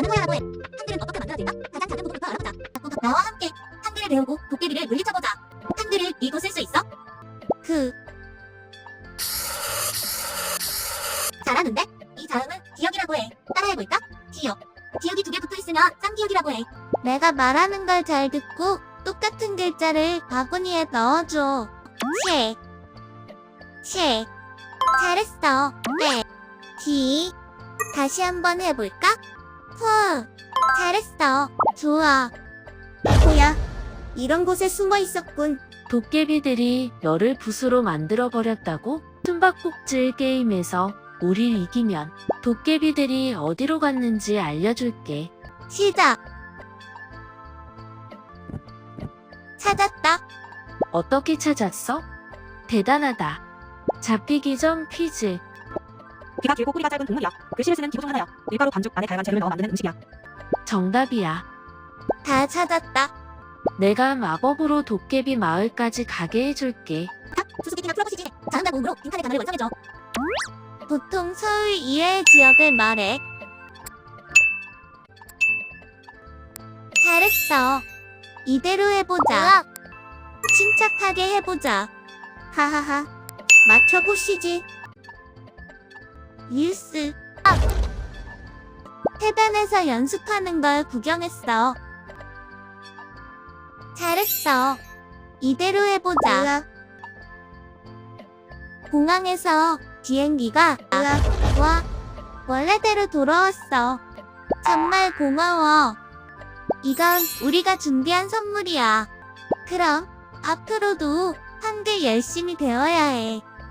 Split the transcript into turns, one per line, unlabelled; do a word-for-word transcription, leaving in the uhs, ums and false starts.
나는 거야라고 해. 한글은 어떻게 만들어질까? 가장 작은 부분부터 알아보자. 나와 함께 한글을 배우고 도깨비를 물리쳐보자. 한글을 읽고 쓸 수 있어? 그 잘하는데? 이 자음은 기억이라고 해. 따라해볼까? 기억. 기억이 두 개 붙어있으면 쌍기억이라고 해. 내가 말하는 걸 잘 듣고 똑같은 글자를 바구니에 넣어줘. 책. 책. 잘했어. 네. 기. 다시 한번 해볼까? 후. 잘했어. 좋아. 뭐야? 이런 곳에 숨어 있었군.
도깨비들이 너를 붓으로 만들어버렸다고? 숨바꼭질 게임에서 우릴 이기면 도깨비들이 어디로 갔는지 알려줄게.
시작. 찾았다.
어떻게 찾았어? 대단하다. 잡히기 전 퀴즈.
귀가 길고 꼬리가 짧은 동물이야. 글씨를 쓰는 기구 중 하나야. 밀가루 반죽 안에 다양한 재료를 넣어 만드는 음식이야.
정답이야.
다 찾았다.
내가 마법으로 도깨비 마을까지 가게 해줄게.
수수께끼나 풀어보시지. 자음과 모음으로 빈칸의 단어를 완성해줘. 보통 서울 이외의 지역을 말해. 잘했어. 이대로 해보자. 침착하게 해보자. 하하하. 맞춰보시지. 뉴스. 해변에서 연습하는 걸 구경했어. 잘했어. 이대로 해보자. 공항에서 비행기가 와 원래대로 돌아왔어. 정말 고마워. 이건 우리가 준비한 선물이야. 그럼 앞으로도 한글 열심히 배워야 해.